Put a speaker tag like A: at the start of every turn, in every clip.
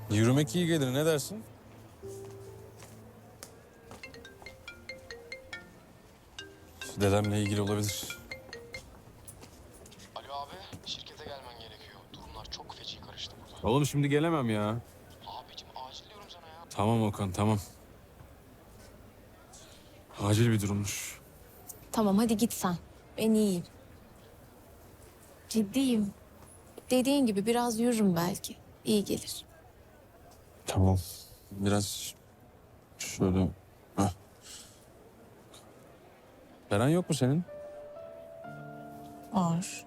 A: Yürümek iyi gelir, ne dersin? Dedemle ilgili olabilir.
B: Alo abi, şirkete gelmen gerekiyor. Durumlar çok feci karıştı burada.
A: Oğlum şimdi gelemem ya.
B: Abicim acil diyorum sana ya.
A: Tamam Okan, tamam. Acil bir durummuş.
C: Tamam hadi git sen. Ben iyiyim. Ciddiyim. Dediğin gibi biraz yürürüm belki. İyi gelir.
A: Tamam. Biraz şöyle... Heh. Beren yok mu senin?
C: Var.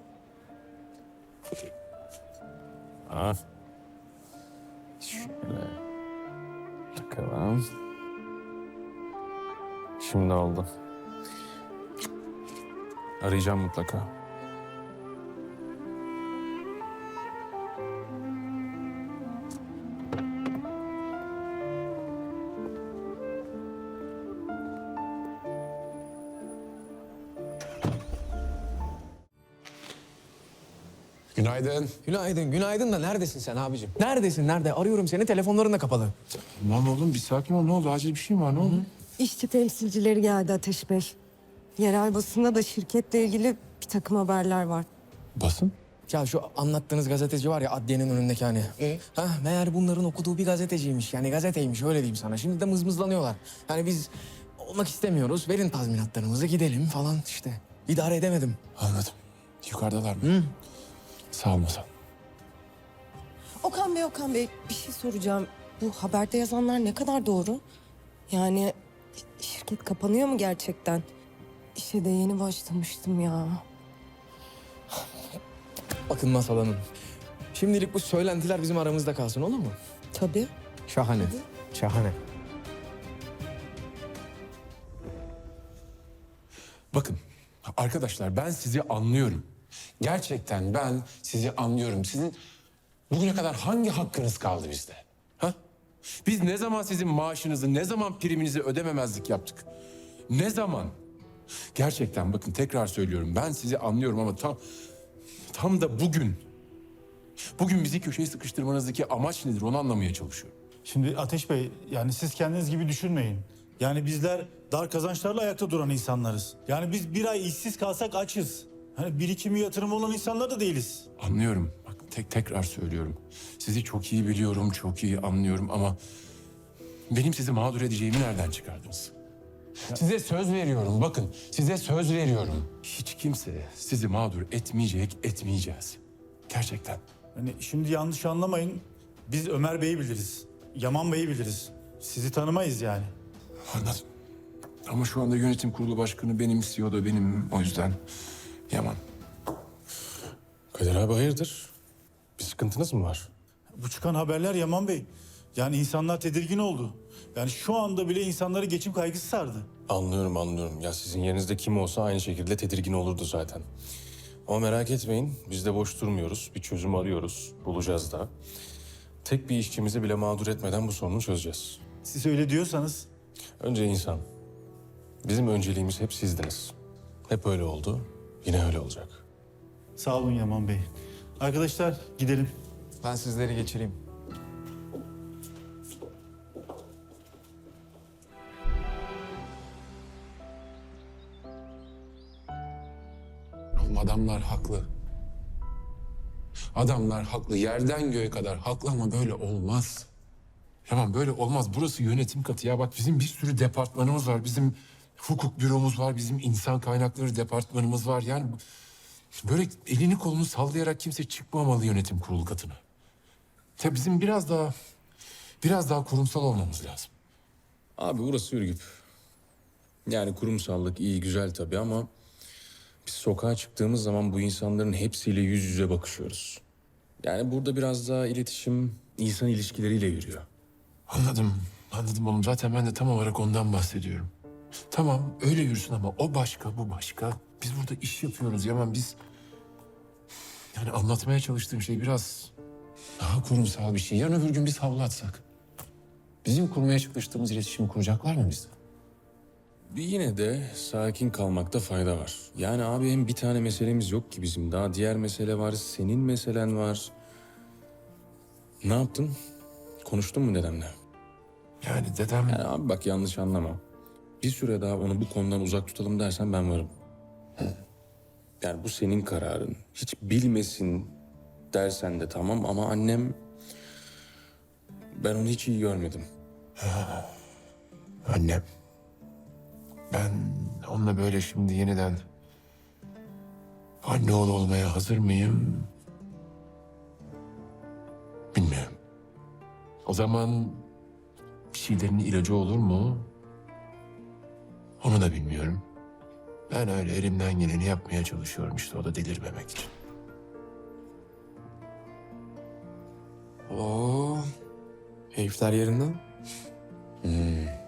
A: Ha. Şöyle. Bakalım. Şimdi oldu. Arayacağım mutlaka.
D: Günaydın.
E: Günaydın, günaydın da neredesin sen abicim? Neredesin, nerede? Arıyorum seni, telefonların da kapalı.
D: Tamam oğlum bir sakin ol. Ne oldu? Acil bir şey mi var? Ne oldu?
F: İşçi temsilcileri geldi Ateş Bey. Yerel basında da şirketle ilgili bir takım haberler var.
D: Basın?
E: Ya şu anlattığınız gazeteci var ya adliyenin önündeki hani. Ha, meğer bunların okuduğu bir gazeteciymiş. Yani gazeteymiş öyle diyeyim sana. Şimdi de mızmızlanıyorlar. Yani biz olmak istemiyoruz. Verin tazminatlarımızı gidelim falan işte. İdare edemedim.
D: Anladım. Yukarıdalar mı? Sağ ol Masal.
F: Okan Bey bir şey soracağım. Bu haberde yazanlar ne kadar doğru? Yani şirket kapanıyor mu gerçekten? İşe de yeni başlamıştım ya.
E: Bakın Masal Hanım. Şimdilik bu söylentiler bizim aramızda kalsın olur mu?
F: Tabii.
E: Şahane. Şahane.
D: Bakın arkadaşlar ben sizi anlıyorum. Gerçekten ben sizi anlıyorum. Sizin bugüne kadar hangi hakkınız kaldı bizde? Ha? Biz ne zaman sizin maaşınızı, ne zaman priminizi ödememezlik yaptık? Ne zaman? Gerçekten bakın tekrar söylüyorum. Ben sizi anlıyorum ama tam da bugün bizi köşeye sıkıştırmanızdaki amaç nedir onu anlamaya çalışıyorum.
G: Şimdi Ateş Bey, yani siz kendiniz gibi düşünmeyin. Yani bizler dar kazançlarla ayakta duran insanlarız. Yani biz bir ay işsiz kalsak açız. Hani birikimi yatırımı olan insanlar da değiliz.
D: Anlıyorum. Bak tekrar söylüyorum. Sizi çok iyi biliyorum, çok iyi anlıyorum ama benim sizi mağdur edeceğimi nereden çıkardınız? Size söz veriyorum. Bakın, size söz veriyorum. Hiç kimse sizi mağdur etmeyecek, etmeyeceğiz. Gerçekten.
G: Hani şimdi yanlış anlamayın. Biz Ömer Bey'i biliriz. Yaman Bey'i biliriz. Sizi tanımayız yani.
D: Anladım. Ama şu anda yönetim kurulu başkanı benim, CEO da benim. O yüzden Yaman.
A: Kadir abi hayırdır? Bir sıkıntınız mı var?
G: Bu çıkan haberler Yaman Bey. Yani insanlar tedirgin oldu. Yani şu anda bile insanları geçim kaygısı sardı.
A: Anlıyorum. Ya sizin yerinizde kim olsa aynı şekilde tedirgin olurdu zaten. Ama merak etmeyin, biz de boş durmuyoruz. Bir çözüm arıyoruz, bulacağız da. Tek bir işçimizi bile mağdur etmeden bu sorunu çözeceğiz.
G: Siz öyle diyorsanız
A: Önce insan. Bizim önceliğimiz hep sizdiniz. Hep öyle oldu, yine öyle olacak.
G: sağ olun Yaman Bey. Arkadaşlar gidelim.
E: Ben sizleri geçireyim.
D: Oğlum adamlar haklı. Adamlar haklı. Yerden göğe kadar haklı ama böyle olmaz. Tamam böyle olmaz. Burası yönetim katı ya. Bak bizim bir sürü departmanımız var. Bizim hukuk büromuz var. Bizim insan kaynakları departmanımız var. Yani böyle elini kolunu sallayarak kimse çıkmamalı yönetim kurulu katına. Tabii bizim biraz daha kurumsal olmamız lazım.
A: Abi burası Ürgüp. Yani kurumsallık iyi, güzel tabii ama... biz sokağa çıktığımız zaman bu insanların hepsiyle yüz yüze bakışıyoruz. Yani burada biraz daha iletişim insan ilişkileriyle yürüyor.
D: Anladım oğlum. Zaten ben de tam olarak ondan bahsediyorum. Tamam öyle yürüsün ama o başka, bu başka. Biz burada iş yapıyoruz Yaman. Biz... Yani anlatmaya çalıştığım şey biraz daha kurumsal bir şey. Yarın öbür gün biz havlu atsak. Bizim kurmaya çalıştığımız iletişimi kuracaklar mı bizde?
A: Bir yine de sakin kalmakta fayda var. Yani abi hem bir tane meselemiz yok ki bizim. Daha diğer mesele var, senin meselen var. Ne yaptın? Konuştun mu dedemle?
D: Yani dedem...
A: Yani abi bak yanlış anlama. Bir süre daha onu bu konudan uzak tutalım dersen ben varım. Yani bu senin kararın. Hiç bilmesin dersen de tamam ama annem... Ben onu hiç iyi görmedim.
D: Annem. Ben onunla böyle şimdi yeniden anne oğlu olmaya hazır mıyım? Bilmiyorum. O zaman bir şeylerin ilacı olur mu? Onu da bilmiyorum. Ben öyle elimden geleni yapmaya çalışıyorum işte, o da delirmemek için.
E: Oo, keyifler yerinden.